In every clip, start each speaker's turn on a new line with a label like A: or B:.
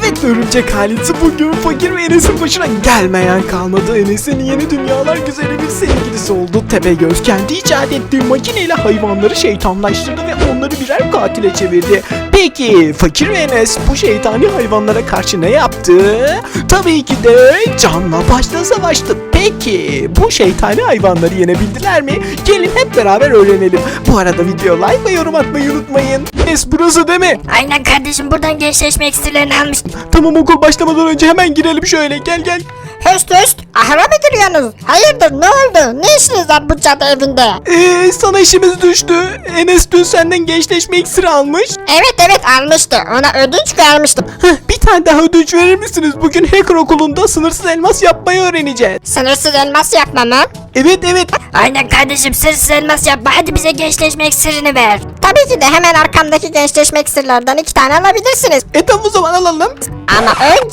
A: Evet, örümcek ailesi bugün fakir ve Enes'in başına gelmeyen kalmadı. Enes'in yeni dünyalar güzeli bir sevgilisi oldu. Tepegöz kendi icat ettiği makineyle hayvanları şeytanlaştırdı ve onları birer katile çevirdi. Peki fakir ve Enes bu şeytani hayvanlara karşı ne yaptı? Tabii ki de canla başla savaştı. Peki bu şeytani hayvanları yenebildiler mi? Gelin hep beraber öğrenelim. Bu arada video like ve yorum atmayı unutmayın. Enes, burası değil mi?
B: Aynen kardeşim, buradan gençleşme iksirlerini almıştım.
A: Tamam, okul başlamadan önce hemen girelim şöyle. Gel.
C: Höst höst, ahıra mı giriyorsunuz? Hayırdır, ne oldu? Ne işiniz var bu cadı evinde?
A: Sana işimiz düştü. Enes dün senden gençleşme iksiri almış.
C: Evet almıştı, ona ödünç vermiştim.
A: Bir tane daha ödünç verir misiniz? Bugün hacker okulunda sınırsız elmas yapmayı öğreneceğiz.
C: Sınırsız elmas yapma mı?
A: Evet.
B: Aynen kardeşim, sırf elmas yapma, hadi bize gençleşme iksirini ver.
C: Tabii ki de hemen arkamdaki gençleşme iksirlerden 2 tane alabilirsiniz.
A: Tamam, o zaman alalım.
C: Ama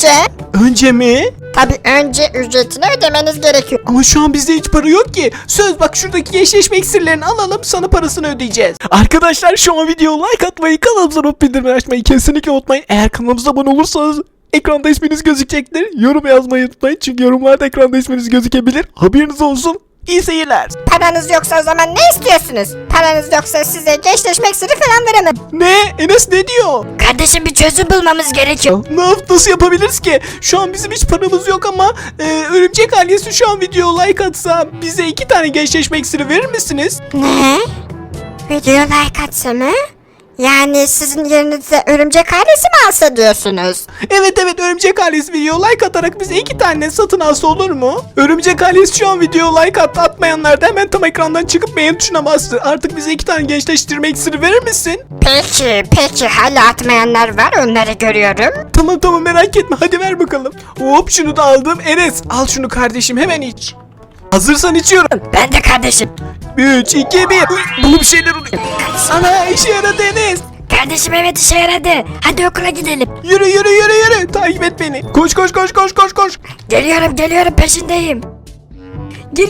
A: Önce mi?
C: önce ücretini ödemeniz gerekiyor.
A: Ama şu an bizde hiç para yok ki. Söz, bak şuradaki gençleşme iksirlerini alalım, sana parasını ödeyeceğiz. Arkadaşlar şu an videoya like atmayı, kanalımıza not bildirimleri açmayı kesinlikle unutmayın. Eğer kanalımıza abone olursanız ekranda isminiz gözükecektir. Yorum yazmayı unutmayın çünkü yorumlarda ekranda isminiz gözükebilir. Haberiniz olsun. İyi seyirler.
C: Paranız yoksa o zaman ne istiyorsunuz? Paranız yoksa size gençleşme iksiri falan veremem.
A: Ne? Enes ne diyor?
B: Kardeşim, bir çözüm bulmamız gerekiyor.
A: Nasıl yapabiliriz ki? Şu an bizim hiç paramız yok ama örümcek ailesi şu an videoya like atsa bize 2 tane gençleşme iksiri verir misiniz?
C: Ne? Video like atsa mı? Yani sizin yerinize örümcek ailesi mi alsa diyorsunuz?
A: Evet, örümcek ailesi video like atarak bize 2 tane satın alsa olur mu? Örümcek ailesi şu an video like attı. Atmayanlar da hemen tam ekrandan çıkıp beğen tuşuna bastı. Artık bize 2 tane gençleştirme iksiri verir misin?
C: Peki hala atmayanlar var, onları görüyorum.
A: Tamam, merak etme, hadi ver bakalım. Hop, şunu da aldım. Enes, al şunu kardeşim, hemen iç. Hazırsan içiyorum.
B: Ben de kardeşim.
A: 3, 2, 1. Bunu bir şeyler oluyor. Ana, işe yaradı Enes.
B: Kardeşim, evet, işe yaradı. Hadi okula gidelim.
A: Yürü. Takip et beni. Koş.
B: Geliyorum, peşindeyim. Gir.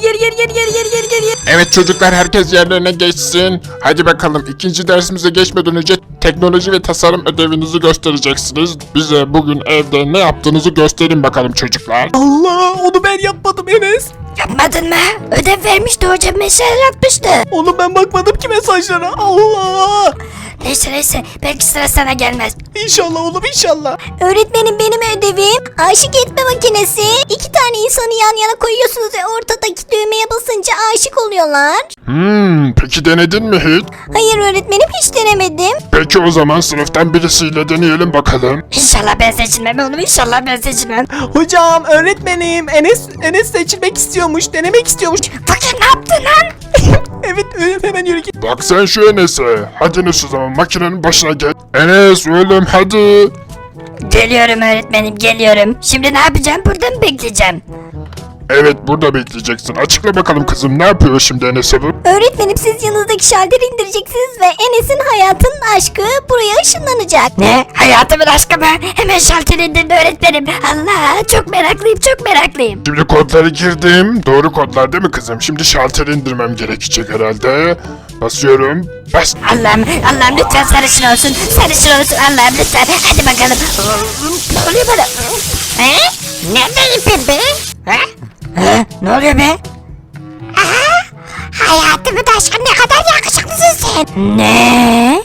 D: Evet çocuklar, herkes yerlerine geçsin. Hadi bakalım, ikinci dersimize geçmeden önce teknoloji ve tasarım ödevinizi göstereceksiniz. Bize bugün evde ne yaptığınızı gösterin bakalım çocuklar.
A: Allah, onu ben yapmadım Enes.
B: Yapmadın mı? Ödev vermişti hocam, mesaj atmıştı.
A: Oğlum ben bakmadım ki mesajlara. Allah.
B: Neyse, belki sıra sana gelmez.
A: İnşallah oğlum, inşallah.
C: Öğretmenim, benim ödevim aşık etme makinesi. 2 tane insanı yan yana koyuyorsunuz ve ortadaki düğmeye basınca aşık oluyorlar.
D: Peki denedin mi hiç?
C: Hayır öğretmenim, hiç denemedim.
D: Peki o zaman sınıftan birisiyle deneyelim bakalım.
B: İnşallah ben seçilmem oğlum, inşallah ben seçilmem.
A: Hocam, öğretmenim, Enes seçilmek istiyormuş, denemek istiyormuş.
B: Fakir, ne yaptın lan?
A: Evet, hemen yürü git.
D: Bak sen şu Enes'e. Hadi Enes, o zaman makinenin başına geç. Enes oğlum, hadi.
B: Geliyorum öğretmenim, geliyorum. Şimdi ne yapacağım? Burada mı bekleyeceğim?
D: Evet, burada bekleyeceksin. Açıkla bakalım kızım, ne yapıyor şimdi Enes'e bu?
C: Öğretmenim, siz yanınızdaki şalteri indireceksiniz ve Enes'in hayatının aşkı buraya ışınlanacak.
B: Ne? Hayatımın aşkı mı? Hemen şalteri indirdi öğretmenim. Allah, çok meraklıyım.
D: Şimdi kodları girdim. Doğru kodlar değil mi kızım? Şimdi şalteri indirmem gerekecek herhalde. Basıyorum. Bas.
B: Allah'ım lütfen sarışın olsun. Allah'ım lütfen. Hadi bakalım. Ne oluyor bana?
C: He? Neredeyim Pembe?
B: Ne oluyor be?
C: Hayatımın aşkı, ne kadar yakışıklısın sen.
B: Ne?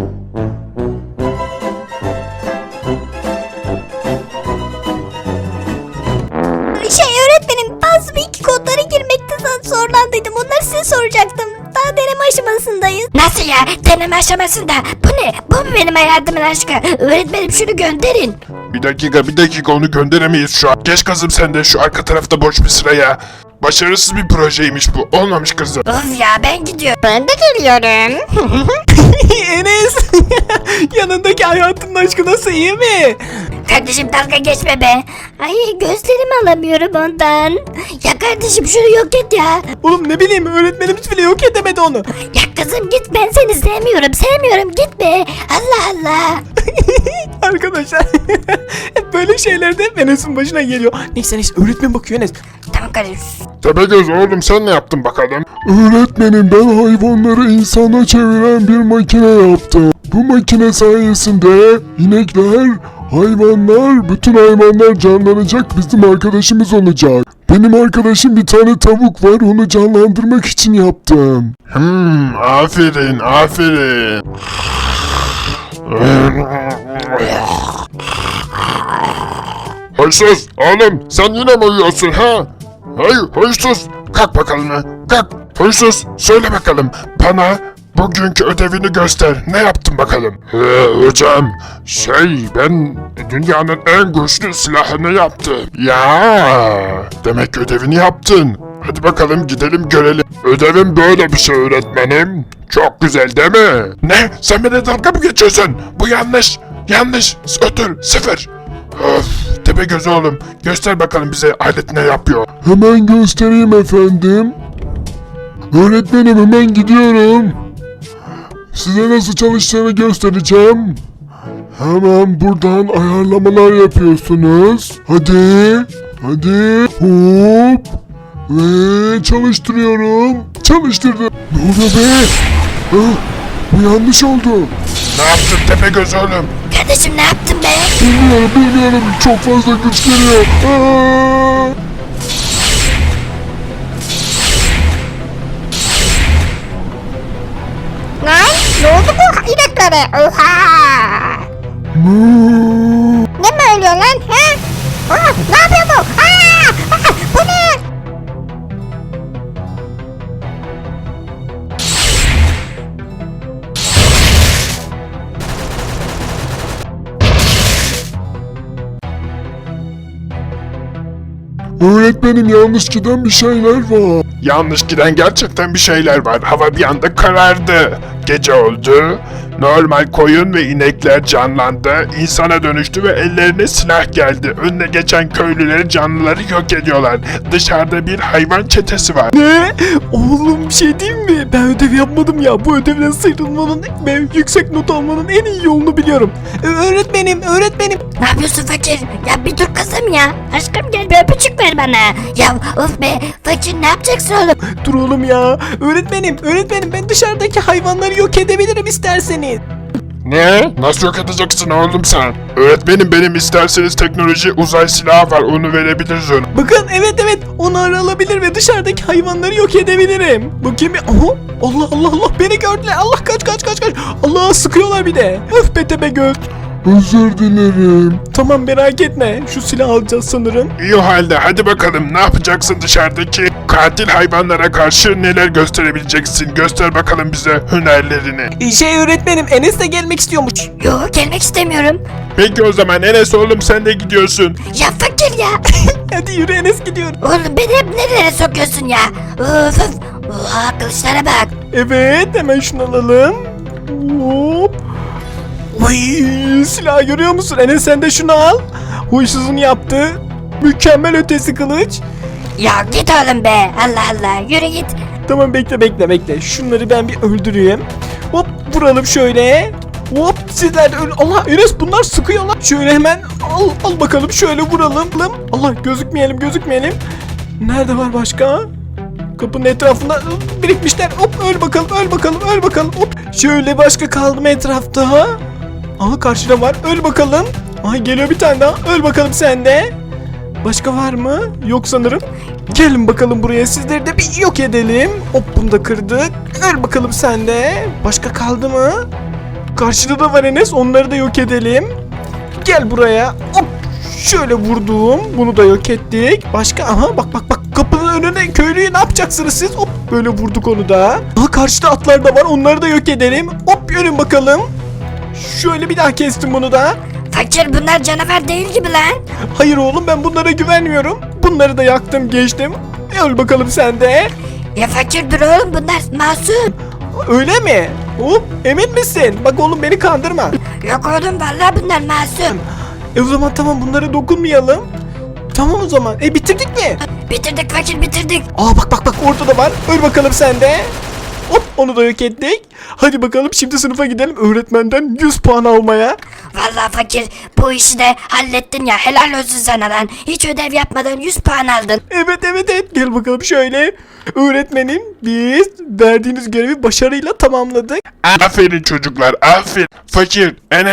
C: Öğretmenim, bazı iki kodları girmekte zorlandıydım. Onları size soracaktım. Daha deneme aşamasındayız.
B: Nasıl ya? Deneme aşamasında. Bu ne? Bu mu benim hayatımın aşkı? Öğretmenim, şunu gönderin.
D: Bir dakika, onu gönderemeyiz şu an. Geç kızım sen de, şu arka tarafta boş bir sıraya. Başarısız bir projeymiş bu. Olmamış kızım.
B: Of ya, ben gidiyorum.
C: Ben de geliyorum.
A: Enes, yanındaki hayatının aşkı nasıl, iyi mi?
B: Kardeşim, dalga geçme be. Ay, gözlerimi alamıyorum ondan. Ya kardeşim, şunu yok et ya.
A: Oğlum ne bileyim, öğretmenimiz bile yok edemedi onu.
B: Ya kızım git, ben seni sevmiyorum git be. Allah.
A: Arkadaşlar hep böyle şeyler de Enes'in başına geliyor. Neyse, öğretmen bakıyor Enes.
B: Tamam kardeşim.
D: Tepegöz oğlum, sen ne yaptın bakalım? Öğretmenim, ben hayvanları insana çeviren bir makine yaptım. Bu makine sayesinde inekler
E: Hayvanlar, bütün hayvanlar canlanacak, bizim arkadaşımız olacak. Benim arkadaşım bir tane tavuk var, onu canlandırmak için yaptım.
D: Aferin, aferin. Huysuz, oğlum sen yine mi uyuyorsun ha? Hey huysuz, kalk bakalım ha, kalk. Huysuz, söyle bakalım bana bugünkü ödevini göster. Ne yaptın bakalım? Hocam, ben dünyanın en güçlü silahını yaptım. Ya, demek ödevini yaptın. Hadi bakalım gidelim görelim. Ödevim böyle bir şey öğretmenim. Çok güzel değil mi? Ne? Sen beni dalga mı geçiyorsun? Bu yanlış. Yanlış. Ötür. Sıfır. Of. Tepegöz oğlum. Göster bakalım bize alet ne yapıyor.
E: Hemen göstereyim efendim. Öğretmenim hemen gidiyorum. Size nasıl çalıştığını göstereceğim. Hemen buradan ayarlamalar yapıyorsunuz. Hadi. Hadi. Hop. Ve çalıştırıyorum. Çalıştırdım. Ne oluyor be? Ah, bu yanlış oldu.
D: Ne yaptın Tepegöz oğlum?
B: Kardeşim ne yaptın be?
E: Bilmiyorum. Çok fazla güç geliyor. Aa!
C: Lan ne oldu bu ineklere? Oha!
E: Moo!
C: Ne mi ölüyor lan? He? Aa, ne yapıyor bu? Bu ne?
E: Öğretmenim yanlış giden bir şeyler var.
D: Yanlış giden gerçekten bir şeyler var. Hava bir anda karardı. Gece oldu. Normal koyun ve inekler canlandı. İnsana dönüştü ve ellerine silah geldi. Önüne geçen köylüleri, canlıları yok ediyorlar. Dışarıda bir hayvan çetesi var.
A: Ne? Oğlum bir şey diyeyim mi? Ben ödev yapmadım ya. Bu ödevden sıyrılmanın ve yüksek not almanın en iyi yolunu biliyorum. Öğretmenim.
B: Ne yapıyorsun fakir? Ya bir dur kızım ya. Aşkım gel bir öpücük ver bana. Ya of be fakir ne yapacaksın oğlum?
A: Dur oğlum ya. Öğretmenim ben dışarıdaki hayvanları yok edebilirim isterseniz.
D: Ne? Nasıl yok edeceksin oğlum sen? Öğretmenim benim isterseniz teknoloji uzay silahı var. Onu verebiliriz ona.
A: Bakın evet onu alabilir ve dışarıdaki hayvanları yok edebilirim. Bakayım bir. Aha, Allah beni gördüler. Allah kaç. Allah sıkıyorlar bir de. Öf be Tepegöz.
E: Özür dilerim.
A: Tamam merak etme. Şu silahı alacağız sanırım.
D: İyi o halde hadi bakalım ne yapacaksın dışarıdaki katil hayvanlara karşı neler gösterebileceksin? Göster bakalım bize hünerlerini.
A: Öğretmenim Enes de gelmek istiyormuş.
B: Yok gelmek istemiyorum.
D: Peki o zaman Enes oğlum sen de gidiyorsun.
B: Ya fakir ya.
A: Hadi yürü Enes gidiyor.
B: Oğlum beni hep nereye sokuyorsun ya? Of. Oha kılıçlara bak.
A: Evet hemen şunu alalım. Hop. Vay silahı görüyor musun? Enes sen de şunu al. Huysuzun yaptı. Mükemmel ötesi kılıç.
B: Ya git oğlum be. Allah Allah yürü git.
A: Tamam bekle. Şunları ben bir öldüreyim. Hop vuralım şöyle. Hop sizler de Allah Enes bunlar sıkıyorlar. Şöyle hemen al bakalım şöyle vuralım. Allah gözükmeyelim. Nerede var başka? Kapının etrafında birikmişler. Hop öl bakalım. Hop şöyle başka kaldı mı etrafta? Aha karşıda var. Öl bakalım. Ay geliyor bir tane daha. Öl bakalım sen de. Başka var mı? Yok sanırım. Gelin bakalım buraya. Sizleri de bir yok edelim. Hop bunu da kırdık. Öl bakalım sen de. Başka kaldı mı? Karşıda da var Enes. Onları da yok edelim. Gel buraya. Hop. Şöyle vurdum. Bunu da yok ettik. Başka aha bak. Kapının önüne köylüyü ne yapacaksınız siz? Hop böyle vurduk onu da. Aha karşıda atlar da var. Onları da yok edelim. Hop yürün bakalım. Şöyle bir daha kestim bunu da.
B: Fakir bunlar canavar değil gibi lan.
A: Hayır oğlum ben bunlara güvenmiyorum. Bunları da yaktım geçtim. Öl bakalım sen de.
B: Ya fakir dur oğlum bunlar masum.
A: Öyle mi? Hop emin misin? Bak oğlum beni kandırma.
B: Yok oğlum vallahi bunlar masum.
A: O zaman tamam bunlara dokunmayalım. Tamam o zaman. Bitirdik mi?
B: Bitirdik fakir bitirdik.
A: Aa bak orada da var. Öl bakalım sen de. Hop onu da yok ettik. Hadi bakalım şimdi sınıfa gidelim öğretmenden 100 puan almaya.
B: Vallahi fakir bu işi de hallettin ya helal olsun sana lan. Hiç ödev yapmadan 100 puan aldın.
A: Evet. Gel bakalım şöyle. Öğretmenim biz verdiğiniz görevi başarıyla tamamladık.
D: Aferin çocuklar aferin. Fakir, Enes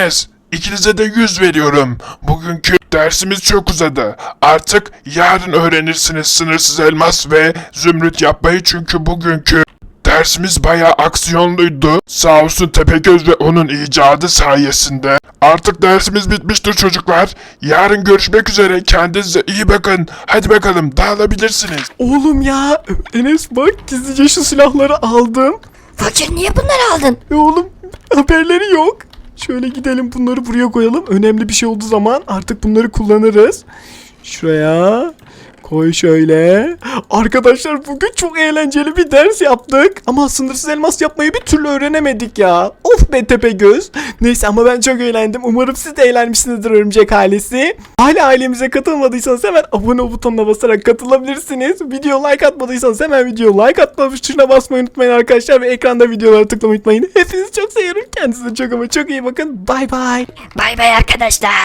D: İkinize de 100 veriyorum. Bugünkü dersimiz çok uzadı. Artık yarın öğrenirsiniz sınırsız elmas ve zümrüt yapmayı, çünkü bugünkü dersimiz bayağı aksiyonluydu. Sağ olsun Tepegöz ve onun icadı sayesinde. Artık dersimiz bitmiştir çocuklar. Yarın görüşmek üzere. Kendinize iyi bakın. Hadi bakalım dağılabilirsiniz.
A: Oğlum ya Enes bak gizlice şu silahları aldım.
B: Fakir niye bunları aldın?
A: Oğlum haberleri yok. Şöyle gidelim bunları buraya koyalım. Önemli bir şey olduğu zaman artık bunları kullanırız. Şuraya koy şöyle. Arkadaşlar bugün çok eğlenceli bir ders yaptık. Ama sınırsız elmas yapmayı bir türlü öğrenemedik ya. Of be Tepegöz. Neyse ama ben çok eğlendim. Umarım siz de eğlenmişsinizdir örümcek ailesi. Hala ailemize katılmadıysanız hemen abone ol butonuna basarak katılabilirsiniz. Video like atmadıysanız hemen video like atma tuşuna basmayı unutmayın arkadaşlar. Ve ekranda videolara tıklamayı unutmayın. Hepinizi çok seviyorum. Kendinize çok ama çok iyi bakın. Bay bay.
B: Bay bay arkadaşlar.